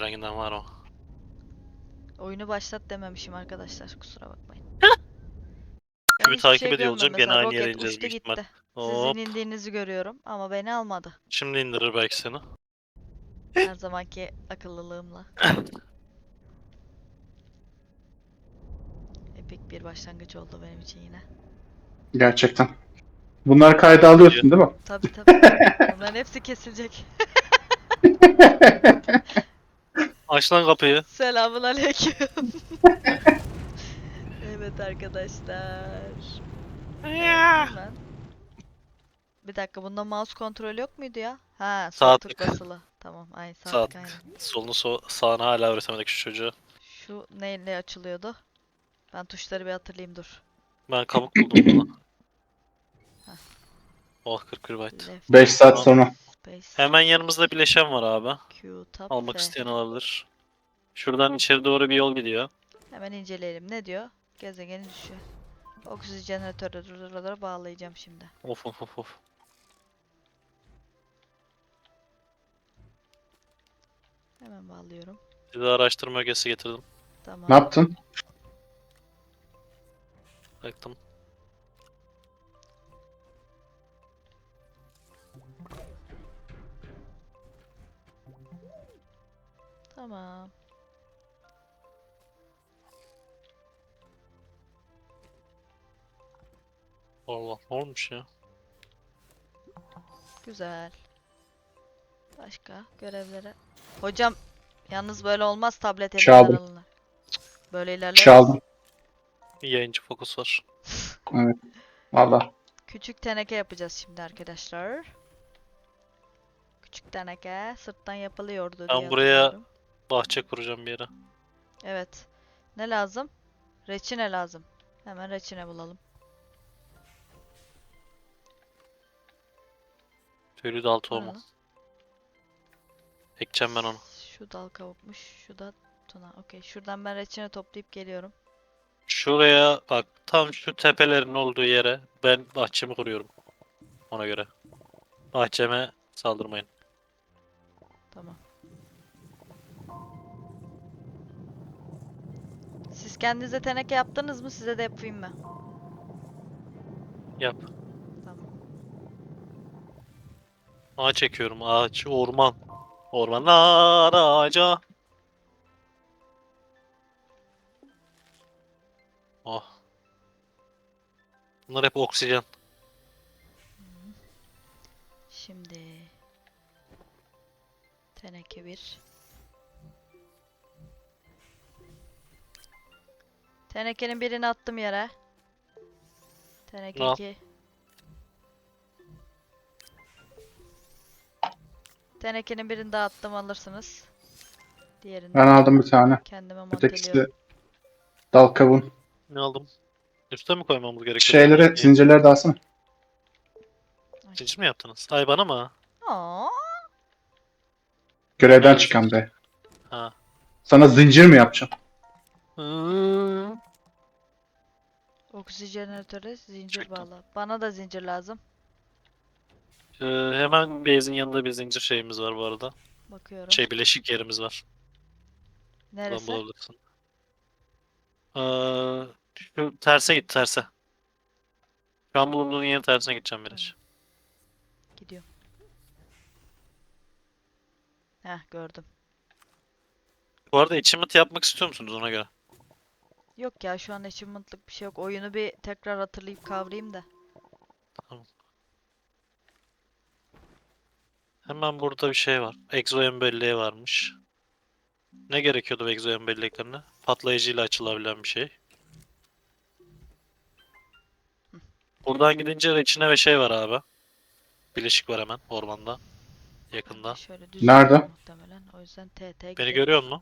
Hanginden var o? Oyunu başlat dememişim arkadaşlar. Kusura bakmayın. Ben Kübü hiçbir takip şey ediyor görmüyorum olacağım. Gene mesela. aynı yere Roket ineceğiz uçtu büyük ihtimal. gitti. Sizin Hop. indiğinizi görüyorum ama beni almadı. Şimdi indirir belki seni. Her zamanki akıllılığımla. Epik bir başlangıç oldu benim için yine. Gerçekten. Bunları kayda alıyorsun değil mi? Tabi tabi. Bunların hepsi kesilecek. Aç lan kapıyı. Selamun aleyküm. Evet arkadaşlar. Hemen. Bir dakika, bunda mouse kontrolü yok muydu ya? Ha, sol Sağ tık tık. basılı. Tamam, ay sağ Sağ tık tık. aynen. Solunu sağını hala öğretemedik şu çocuğa. Şu neyle açılıyordu? Ben tuşları bir hatırlayayım, dur. Ben kabuk buldum burada. Heh. Oh 41 byte. Left 5 saat Tamam. sonra. space Hemen yanımızda bileşen var abi. Q tab Almak F. isteyen alabilir. Şuradan içeri doğru bir yol gidiyor. Hemen inceleyelim. Ne diyor? Gezegeni düşüyor. Oksijenatörü bağlayacağım şimdi. Of of of of. Hemen bağlıyorum. Bir de araştırma ögesi getirdim. Tamam. Ne yaptın? Baktım. Tamam. Allah ne olmuş ya? Güzel. Başka görevlere. Hocam, yalnız böyle olmaz, tablet elimden Çaldım. alınır. Böyle ilerleyemeyiz. Çaldım. Bir yayıncı fokus var. Evet. Valla. Küçük teneke yapacağız şimdi arkadaşlar. Küçük teneke sırttan yapılıyordu diye Ben buraya hatırlıyorum. bahçe kuracağım bir yere. Evet. Ne lazım? Reçine lazım. Hemen reçine bulalım. Tüylü dal O ne tohumu. lan? Ekeceğim ben onu. Şu dal kavukmuş. Şu da tuna. Okey. Şuradan ben reçine toplayıp geliyorum. Şuraya bak, tam şu tepelerin olduğu yere ben bahçemi kuruyorum. Ona göre. Bahçeme saldırmayın. Tamam. Siz kendinize teneke yaptınız mı? Size de yapayım mı? Yap. Tamam. Ağaç çekiyorum. Ağaç, orman. Ormanlar ağaca. Oh. Bunlar hep oksijen. Şimdi teneke 1. Tenekenin birini attım yere. Teneke Al. 2. Tenekenin birini daha attım, alırsınız. Diğerini Ben de aldım bir tane. kendime Ötekisi monteliyorum. dal kavun. Ne aldım? Üste mi koymamız gerekiyor? Şeyleri, zincirleri de alsana. Ay. Zincir mi yaptınız? Ay bana mı? Aa, Görevden Nerede çıkan zincir? be. Ha. Sana zincir mi yapacağım? oksijeneratöre zincir Çektim. bağla. Bana da zincir lazım. Hemen base'in yanında bir zincir şeyimiz var bu arada. Bakıyorum. Şey, bileşik yerimiz var. Buradan Neresi? bulabilirsin. Şu terse git, terse. Şu an bulunduğun yerin tersine gideceğim Tamam. biraz. Gidiyorum. Heh, gördüm. Bu arada achievement yapmak istiyor musunuz ona göre? Yok ya, şu an achievement'lık bir şey yok. Oyunu bir tekrar hatırlayıp kavrayayım da. Tamam. Hemen burada bir şey var. Exo belleği varmış. Ne gerekiyordu bu Exo belleklerine? Patlayıcıyla açılabilen bir şey. Buradan gidince içine ve şey var abi. Bileşik var hemen ormanda. Ben de Yakında. şöyle düz Nerede? gidiyorum muhtemelen. O yüzden TT Beni gidelim. görüyor musun?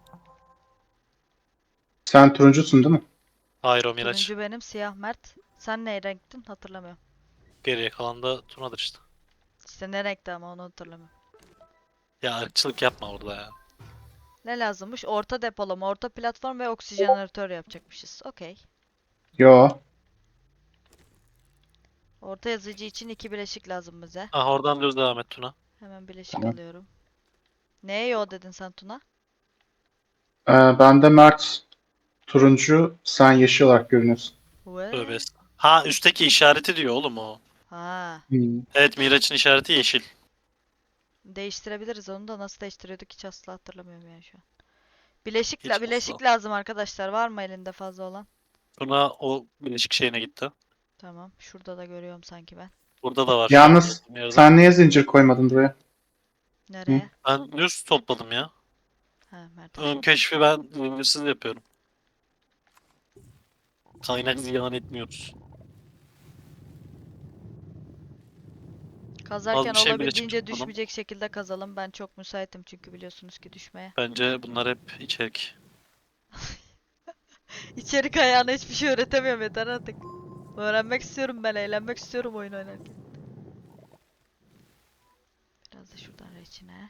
Sen turuncusun değil mi? Hayır, o Miraç. Turuncu benim, siyah Mert. Sen ne renktin? Hatırlamıyorum. Geriye kalan da Tuna'dır işte. İşte ne renkti ama onu hatırlamıyorum. Ya ırkçılık yapma burada ya. Ne lazımmış? Orta depolama, orta platform ve oksijenatör yapacakmışız. Okey. Yo. Orta yazıcı için 2 bileşik lazım bize. Ah, oradan düz devam et Tuna. Hemen bileşik Tamam. alıyorum. Neye yo dedin sen Tuna? Bende Mert turuncu, sen yeşil olarak görünüyorsun. Tövbe Ve estağfurullah. Ha, üstteki işareti diyor oğlum o. ha, Hmm. Evet, Miraç'ın işareti yeşil. değiştirebiliriz onu da, nasıl değiştiriyorduk hiç asla hatırlamıyorum yani şu an. Bileşik, Hiç bileşik asla. lazım arkadaşlar. Var mı elinde fazla olan? Buna o bileşik şeyine gitti. Tamam. Şurada da görüyorum sanki ben. Burada da var. Yalnız Olduğum yerde. sen niye zincir koymadın buraya? Hı? Nereye? Ben düz topladım ya. Ha, Mert. Ön keşfi ben zincirsiz yapıyorum. Kaynak ziyan etmiyoruz. Az Kazarken bir şey bileşik olabildiğince topladım. düşmeyecek şekilde kazalım. Ben çok müsaitim çünkü biliyorsunuz ki düşmeye. Bence bunlar hep içerik. İçerik ayağına hiçbir şey öğretemiyorum, yeter artık. Öğrenmek istiyorum ben, eğlenmek istiyorum oyun oynarken. Biraz da şuradan reçine.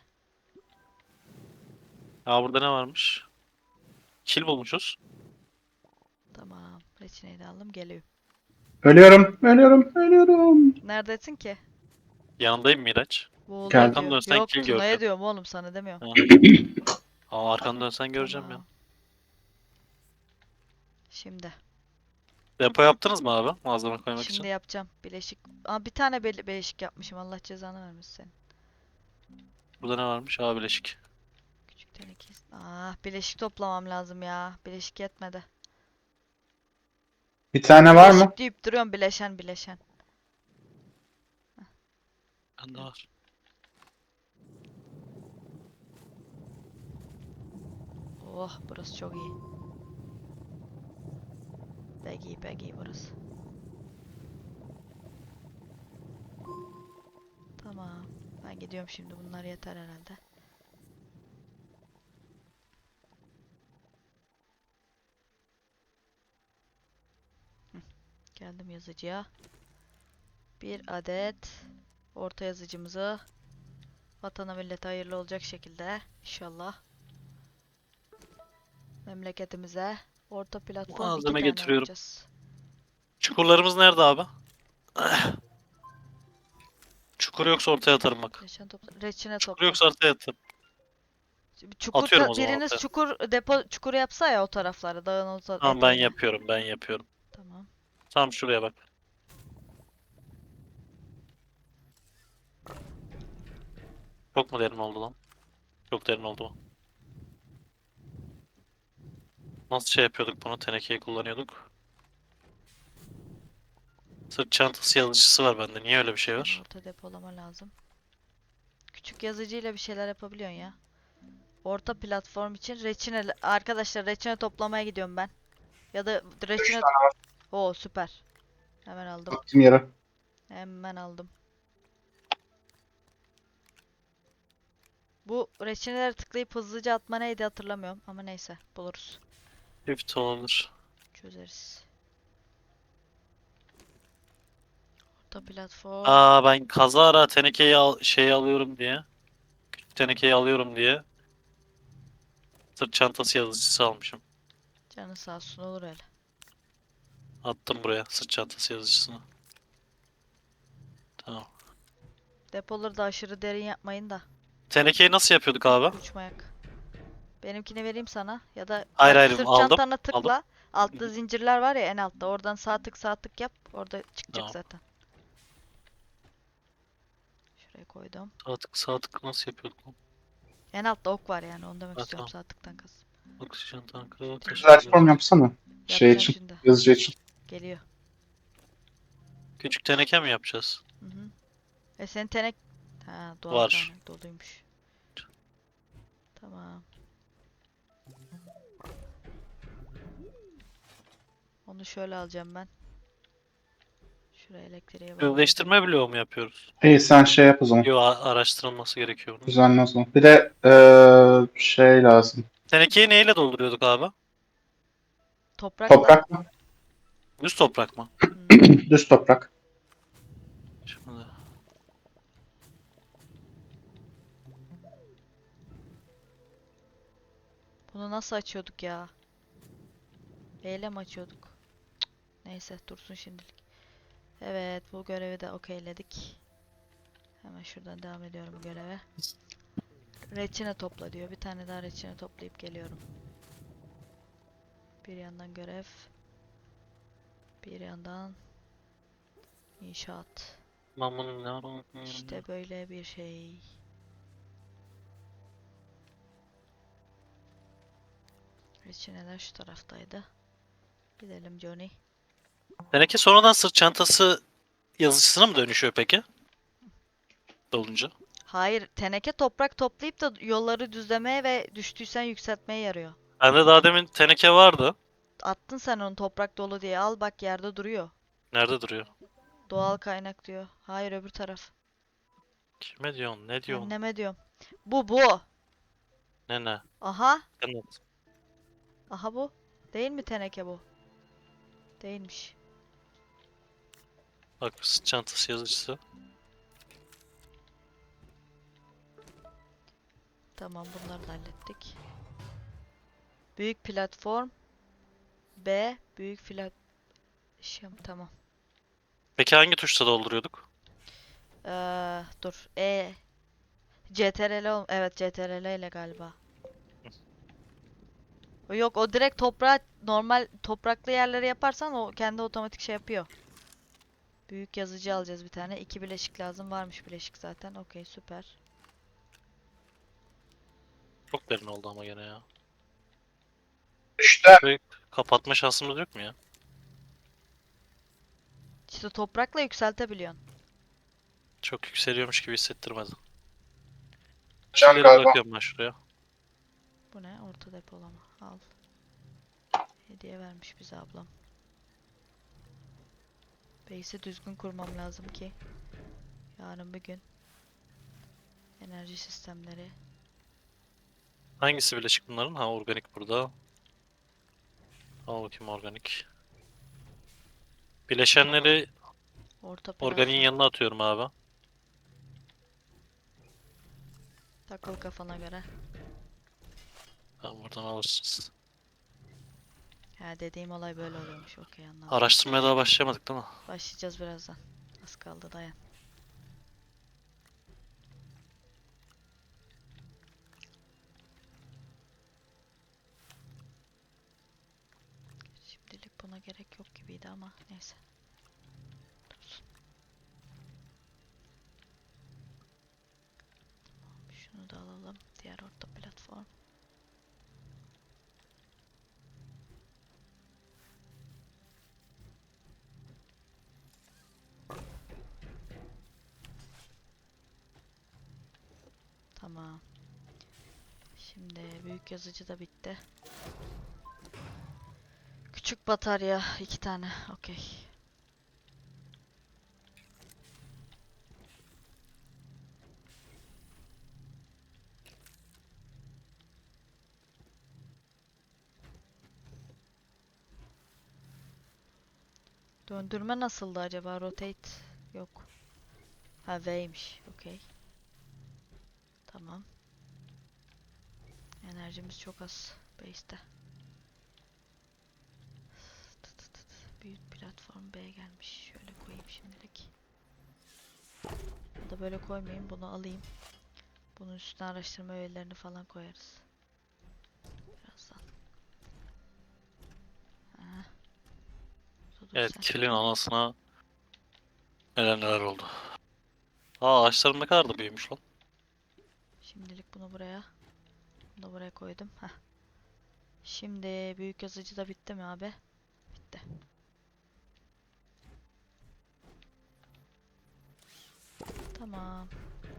Aa, burada ne varmış? Kil bulmuşuz. Tamam. Reçineyi de aldım, geliyor. Ölüyorum, ölüyorum, ölüyorum. Neredesin ki? Yanındayım Miraç. Boğuluyor Geldim. Arkanı diyor. dönsen Yok, kil Tuna'ya göreceğim. diyorum oğlum, sana demiyorum. Ha. Aa, arkanı dönsen göreceğim ya. Tamam. Şimdi. Depo yaptınız mı abi? Malzeme koymak Şimdi için. yapacağım. Bileşik. Aa, bir tane bileşik yapmışım. Allah cezanı vermesin senin. Burada ne varmış? Aa, bileşik. Küçük teneke. Ah, bileşik toplamam lazım ya. Bileşik yetmedi. Bir tane var mı? Bileşik deyip duruyorum, bileşen bileşen. Bende var. Oh, burası çok iyi. Pek iyi, pek iyi burası. Tamam. Ben gidiyorum şimdi. Bunlar yeter herhalde. Geldim yazıcıya. Bir adet orta yazıcımızı vatana millete hayırlı olacak şekilde inşallah memleketimize orta platform 2 Malzeme tane getiriyorum. yapacağız. Çukurlarımız nerede abi? Çukur yoksa ortaya atarım bak. Reçine Çukur topla. yoksa ortaya atarım. Çukur Atıyorum o zaman biriniz ortaya. çukur depo çukuru yapsa ya o taraflara, dağın o Tamam, ben eteğine. yapıyorum, ben yapıyorum. Tamam. Tam şuraya bak. Çok mu derin oldu lan? Çok derin oldu mu? Nasıl şey yapıyorduk bunu? Tenekeyi kullanıyorduk. Sırt çantası yazıcısı var bende. Niye öyle bir şey var? Orta depolama lazım. Küçük yazıcıyla bir şeyler yapabiliyorsun ya. Orta platform için reçine, arkadaşlar reçine toplamaya gidiyorum ben. Ya da Üç reçine. tane var. Oo, süper. Hemen aldım. Attım yere. Hemen aldım. Bu reçineleri tıklayıp hızlıca atma neydi hatırlamıyorum ama neyse, buluruz. Çift olabilir. Çözeriz. Orta platform. Aa, ben kazara tenekeyi şeyi alıyorum diye. Küçük tenekeyi alıyorum diye. Sırt çantası yazıcısı almışım. Canı sağ olsun, olur öyle. Attım buraya sırt çantası yazıcısını. Tamam. Depoları da aşırı derin yapmayın da. Tenekeyi nasıl yapıyorduk abi? Uçmayak. Benimkini vereyim sana ya da Hayır bak, hayır, sırt aldım. çantana Aldım. tıkla. Altta zincirler var ya, en altta. Oradan sağ tık yap. Orada çıkacak Tamam. zaten. Şuraya koydum. Sağ tık nasıl yapıyorduk lan? En altta ok var yani, onu demek Ha, istiyorum, tamam. sağ tıktan kaz. Oksijen tankı, Platform yapsana. Şey Yapacağım için, şimdi. yazıcı için. Geliyor. Küçük teneke mi yapacağız? Hı hı. Senin tenek... Ha, doğal Var. kaynak doluymuş. Tamam. Onu şöyle alacağım ben. Şuraya elektriğe bağlayacağım. Özleştirme bloğu mu yapıyoruz? İyi sen şey yap o zaman. Yo, araştırılması gerekiyor bunun. Düzenli o zaman. Bir de şey lazım. Tenekeyi neyle dolduruyorduk abi? Toprakla. Toprak mı? Düz toprak mı? Düz toprak. Şimdi. Bunu nasıl açıyorduk ya? Eyle mi açıyorduk? Cık, neyse, dursun şimdilik. Evet, bu görevi de okeyledik. Hemen şuradan devam ediyorum bu göreve. Reçine topla diyor. Bir tane daha reçine toplayıp geliyorum. Bir yandan görev. Bir yandan inşaat. İşte böyle bir şey. Reçineler şu taraftaydı. Gidelim Johnny. Teneke sonradan sırt çantası yazıcısına mı dönüşüyor peki? Dolunca. Hayır, teneke toprak toplayıp da yolları düzlemeye ve düştüysen yükseltmeye yarıyor. Bende daha demin teneke vardı. Attın sen onu toprak dolu diye. Al bak yerde duruyor. Nerede duruyor? Doğal kaynak diyor. Hayır öbür taraf. Kime diyorsun? Ne diyorsun? Anneme diyorum. Bu. Ne? Aha. Evet. Aha bu. Değil mi teneke bu? Değilmiş. Bak sırt çantası yazıcısı. Tamam bunları da hallettik. Büyük platform. B. Büyük tamam. Peki hangi tuşla dolduruyorduk? Dur. Evet CTRL ile galiba. Yok o direkt toprağa normal topraklı yerleri yaparsan o kendi otomatik şey yapıyor. Büyük yazıcı alacağız bir tane. 2 bileşik lazım. Varmış bileşik zaten. Okey süper. Çok derin oldu ama gene ya. İşte Şurayı kapatma şansımız yok mu ya? İşte toprakla yükseltebiliyorsun. Çok yükseliyormuş gibi hissettirmedi. can Kişileri galiba. bırakıyorum ben şuraya. Bu ne? Orta depolama. Al. Hediye vermiş bize ablam. Base'i düzgün kurmam lazım ki yarın bir gün enerji sistemleri. Hangisi bileşik bunların? Ha organik burada. Al bakayım organik. Bileşenleri Orta organiğin platform. yanına atıyorum abi. Takıl kafana göre. Tamam buradan alırsınız. Ha dediğim olay böyle oluyormuş. Okey anladım. Araştırmaya daha başlayamadık değil mi? Başlayacağız birazdan. Az kaldı dayan. Şimdilik buna gerek yok gibiydi ama neyse. Dursun. Şunu da alalım. Diğer orta platform. Tamam. Şimdi büyük yazıcı da bitti. Küçük batarya 2 tane. Okey. Döndürme nasıldı acaba? Rotate yok. Ha V'ymiş. Okey. Tamam. Enerjimiz çok az. Base'te. Büyük platform B gelmiş. Şöyle koyayım şimdilik. Ya da böyle koymayayım. Bunu alayım. Bunun üstüne araştırma öğelerini falan koyarız. Birazdan. Ha. Dur Evet sen. kilin anasına neler oldu. Aa ağaçlarım ne kadar da büyümüş lan. Şimdilik bunu buraya. Bunu da buraya koydum. Heh. Şimdi büyük yazıcı da bitti mi abi? Bitti. Tamam.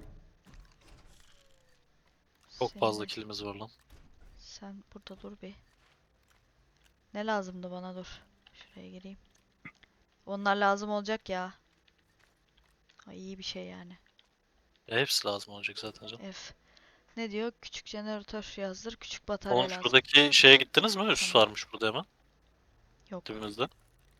Çok fazla Senin- kilimiz var lan. Sen burada dur bir. Ne lazımdı bana dur. Şuraya gireyim. Onlar lazım olacak ya. Ay, iyi bir şey yani. Hepsi lazım olacak zaten canım. F. Ne diyor? Küçük jeneratör yazdır. Küçük batarya Oğlum lazım. şuradaki şeye gittiniz mi? Üst Tamam. varmış burada hemen. Yok. Dibimizde.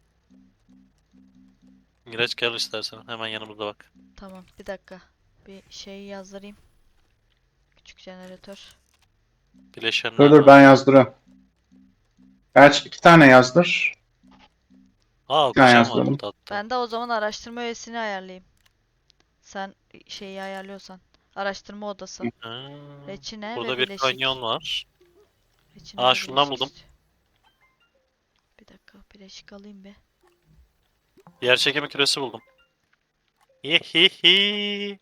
Gireç gel istersen. Hemen yanımızda bak. Tamam. Bir dakika. Bir şey yazdırayım. Küçük jeneratör. Bileşenler Dur var. ben yazdırıyorum. Gerçi 2 tane yazdır. Aa 2 tane bileşen var yazdırdım. burada hatta. Ben de o zaman araştırma üyesini ayarlayayım. Sen şeyi ayarlıyorsan. Araştırma odası. Ha, Reçine ve burada bir bileşik. kanyon var. Reçine Aa ve şundan bileşik buldum. istiyor. Bileşik alayım bir. Yer çekimi küresi buldum. Yehihi.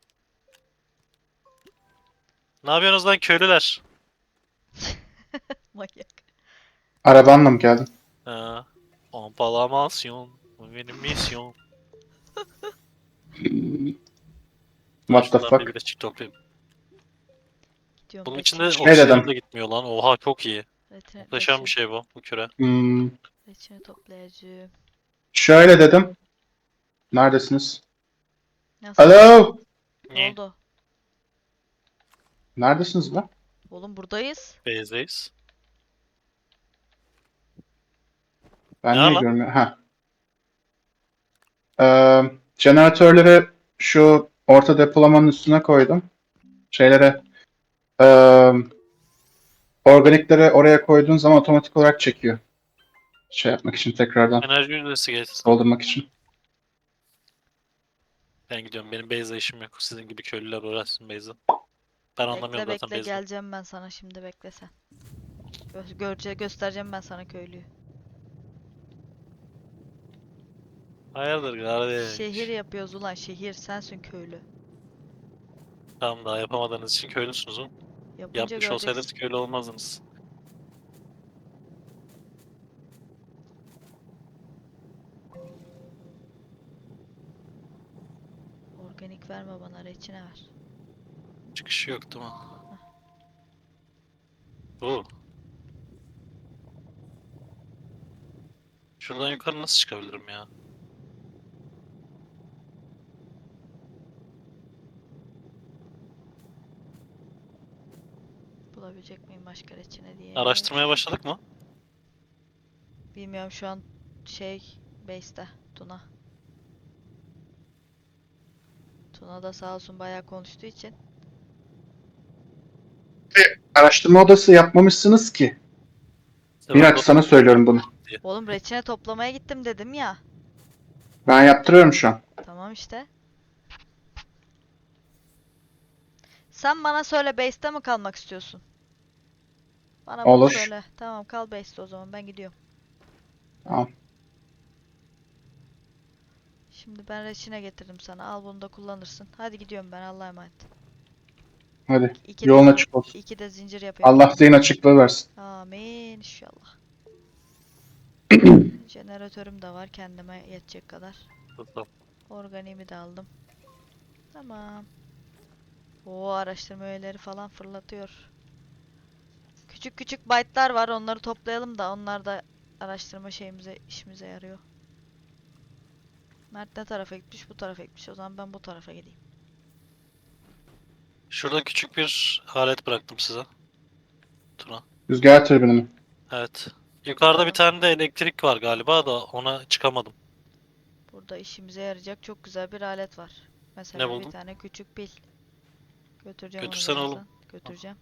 Ne yapıyorsunuz lan köylüler? Manyak. Arabanla mı geldin? Ha. Pompalamasyon. Bu benim misyon. Ben What the şundan bir fuck? bileşik toplayayım. Gidiyorum Bunun reçine. içinde Ne oksijenim dedim? de gitmiyor lan. Oha çok iyi. Muhteşem bir Reçine, şey bu küre. Hmm, reçine toplayacağım. şöyle dedim. Neredesiniz? Nasıl? Alo! Ne Niye? oldu? Neredesiniz lan? Oğlum buradayız. Base'deyiz. Ne Ben var niye lan? görmüyorum? Ha. Jeneratörleri şu orta depolamanın üstüne koydum. Şeylere ee, organikleri oraya koyduğun zaman otomatik olarak çekiyor. Şey yapmak için tekrardan Enerji yüzdesi geçsin. doldurmak için. Ben gidiyorum. Benim base'de işim yok. Sizin gibi köylüler uğraşsın base'de. Ben anlamıyorum Bekle zaten bekle base'de. geleceğim ben sana şimdi bekle sen. Göstereceğim ben sana köylüyü. Hayırdır Şehir kardeş? yapıyoruz ulan şehir sensin köylü. Tamam daha yapamadığınız için köylüsünüz oğlum. Yapınca Yapmış olsaydınız göreceksin. köylü olmazdınız. Organik verme bana reçine ver. Çıkışı yok değil mi? Bu. Şuradan yukarı nasıl çıkabilirim ya? Bulabilecek miyim başka reçine diye. Araştırmaya başladık mı? Bilmiyorum şu an şey base'te Tuna. Tuna da sağ olsun bayağı konuştuğu için. Araştırma odası yapmamışsınız ki. İşte ben de Miraç sana söylüyorum bunu. diye. Oğlum reçine toplamaya gittim dedim ya. Ben yaptırıyorum şu an. Tamam işte. Sen bana söyle base'te mi kalmak istiyorsun? Bana bunu Olur. söyle. Tamam kal base'te o zaman ben gidiyorum. Tamam. Şimdi ben reçine getirdim sana. Al bunu da kullanırsın. Hadi gidiyorum ben Allah'a emanet. Hadi. İki Yolun de, açık olsun. iki de zincir yapıyorum. Allah zihin açıklığı versin. Amin inşallah. Jeneratörüm de var kendime yetecek kadar. Tamam. Organiğimi de aldım. Tamam. O araştırma öğeleri falan fırlatıyor. Küçük küçük byte'lar var. Onları toplayalım da onlar da araştırma şeyimize işimize yarıyor. Mert ne tarafa gitmiş? Bu tarafa gitmiş. O zaman ben bu tarafa gideyim. Şurada küçük bir alet bıraktım size. Tuna. Rüzgar türbini mi? Evet. Yukarıda bir tane de elektrik var galiba da ona çıkamadım. Burada işimize yarayacak çok güzel bir alet var. Ne Mesela bir buldun? tane küçük pil. Götüreceğim onu Götürsene oğlum. birazdan. Götüreceğim.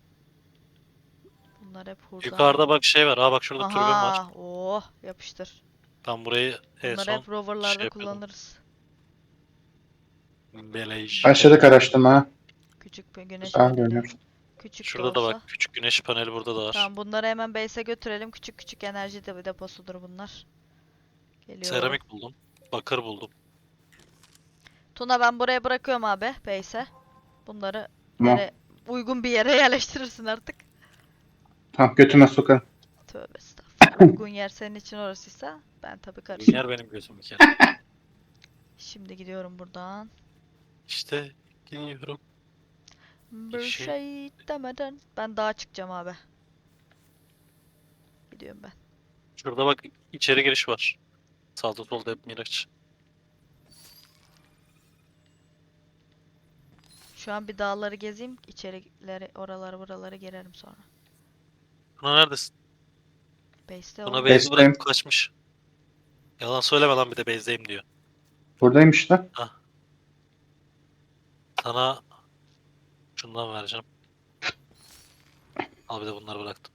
Bunlar hep hurda. Yukarıda bak şey var. Aa bak şurada türbin var. Aha! Oh! Yapıştır. Ben burayı en Bunları son hep roverlarda şey yapıyordum. kullanırız. Belej. Başladık araştırmaya. Küçük bir güneş Güzel paneli. görünüyor. Küçük de Şurada da bak olsa. küçük güneş paneli burada da var. Tamam bunları hemen base'e götürelim. Küçük küçük enerji de deposudur bunlar. Geliyorum. Seramik buldum. Bakır buldum. Tuna ben buraya bırakıyorum abi base'e. Bunları Tamam. yere uygun bir yere yerleştirirsin artık. Tamam götüme sokarım. Tövbe estağfurullah. Uygun yer senin için orasıysa ben tabii karışmam. Yer benim gözüm bir kere. Şimdi gidiyorum buradan. İşte gidiyorum. Bir İşi. şey demeden ben dağa çıkacağım abi. Gidiyorum ben. Şurada bak içeri giriş var. Sağda solda hep Miraç. Şu an bir dağları gezeyim. İçerileri oraları buraları girerim sonra. Buna neredesin? Base'te Buna oğlum. base'i Base'teyim. bırakıp kaçmış. Yalan söyleme lan bir de base'deyim diyor. Buradayım işte. Hah. Sana şundan vereceğim. Al bir de bunları bıraktım.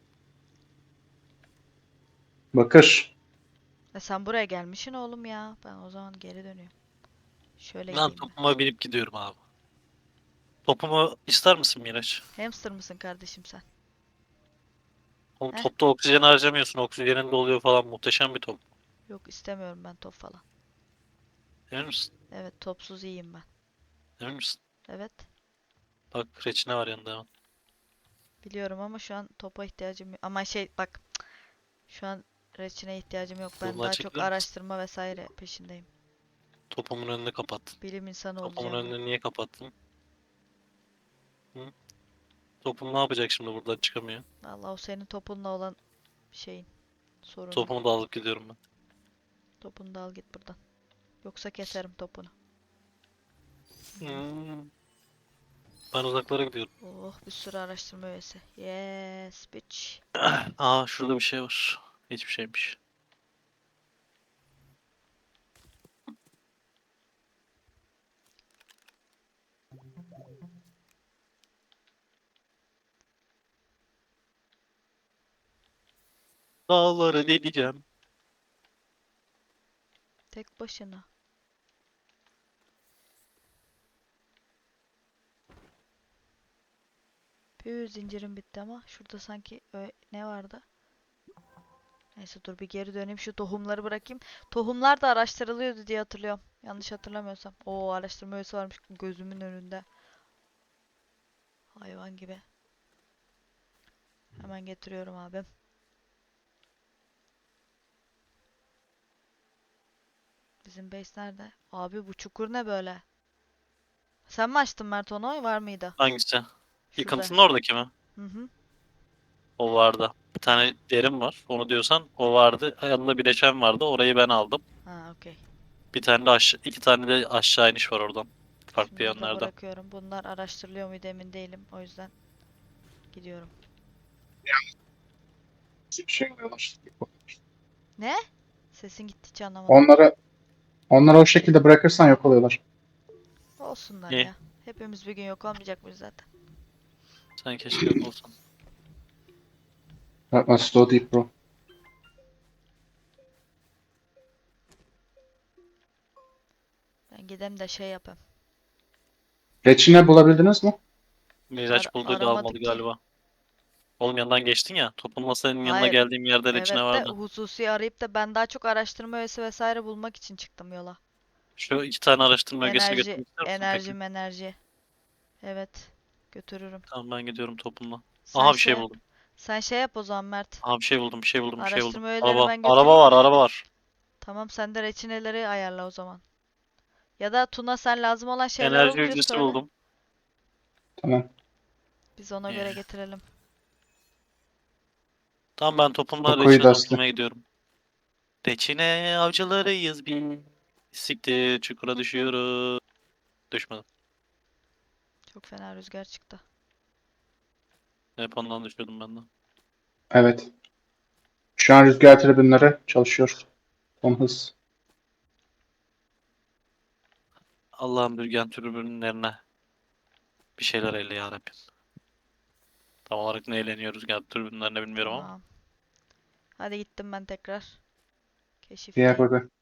Bakır. Sen buraya gelmişsin oğlum ya. Ben o zaman geri dönüyorum. Şöyle Lan gideyim ben. topuma binip gidiyorum abi. Topumu ister misin Miraç? Hamster mısın kardeşim sen? Oğlum Heh. topta oksijen harcamıyorsun. Oksijenin doluyor falan. Muhteşem bir top. Yok istemiyorum ben top falan. Emin misin? Evet topsuz iyiyim ben. Emin misin? Evet. Bak reçine var yanında hemen. Biliyorum ama şu an topa ihtiyacım yok. Ama şey bak şu an reçine ihtiyacım yok. Ben Yoldan daha çok çekilir misin? araştırma vesaire peşindeyim. Topumun önünü kapattın. Bilim insanı Topumun olacağım ben. önünü niye kapattın? Hı? Topum ne yapacak şimdi buradan çıkamıyor. Allah o senin topunla olan şeyin sorunun. Topumu da alıp gidiyorum ben. Topunu da al git buradan. Yoksa keserim topunu. Hmm. Ben uzaklara gidiyorum. Oh bir sürü araştırma üyesi. Yes bitch. Aa şurada bir şey var. Hiçbir şeymiş. Dağları deleceğim. Tek başına. Püh zincirim bitti ama şurada sanki ne vardı? Neyse dur bir geri döneyim şu tohumları bırakayım. Tohumlar da araştırılıyordu diye hatırlıyorum. Yanlış hatırlamıyorsam. Oo araştırma üyesi varmış gözümün önünde. Hayvan gibi. Hemen getiriyorum abim. Bizim base nerede? Abi bu çukur ne böyle? Sen mi açtın Mert onu? Var mıydı? Hangisi? Şurada. Yıkıntının oradaki mi? Hı hı. O vardı. Bir tane derim var. Onu diyorsan o vardı. Yanında bileşen vardı. Orayı ben aldım. Ha okey. Bir tane de aşağı, iki tane de aşağı iniş var oradan. Farklı Şunları da yönlerde. bırakıyorum. Bunlar araştırılıyor muydu emin değilim. O yüzden gidiyorum. Bir şey oluyorlar. Ne? Sesin gitti hiç anlamadım. Onları o şekilde bırakırsan yok oluyorlar. Olsunlar İyi. ya. Hepimiz bir gün yok olmayacak mıyız zaten? Sen keşke yok olsan. That was so deep bro. Ben gidem de şey yapayım. Reçine bulabildiniz mi? Miraç bulduydu almadı Aramadık ki. galiba. Oğlum yanından geçtin ya. Topun masanın yanına Hayır. geldiğim yerde reçine Evet de vardı. hususi arayıp da ben daha çok araştırma üyesi vesaire bulmak için çıktım yola. Şu iki tane araştırma ögesini Enerji, götürmek ister misin peki? enerji. Evet. Götürürüm. Tamam ben gidiyorum topunla. Sen Aha bir şey şey yap. buldum. Sen şey yap o zaman Mert. Aha bir şey buldum, bir şey buldum, bir şey buldum. Araştırma üyelerini Araba, ben araba götüreyim. var, araba var. Tamam sen de reçineleri ayarla o zaman. Ya da Tuna sen lazım olan şeyler Enerji olunca hücresi söyle. buldum. Tamam. Biz ona göre Ee, getirelim. Tamam ben topumla Kokuyu reçine da asla. toplamaya gidiyorum. Reçine avcılarıyız biz. Siktir çukura düşüyoruz. Düşmedim. Çok fena rüzgar çıktı. Hep ondan düşüyordum ben de. Evet. Şu an rüzgar tribünleri çalışıyor. Son hız. Allah'ın bürgen tribünlerine bir şeyler eyle yarabbim. Tam olarak ne eğleniyor rüzgar tribünlerine bilmiyorum ama. Tamam. Hadi gittim ben tekrar. Diğer Keşifteyim. burada.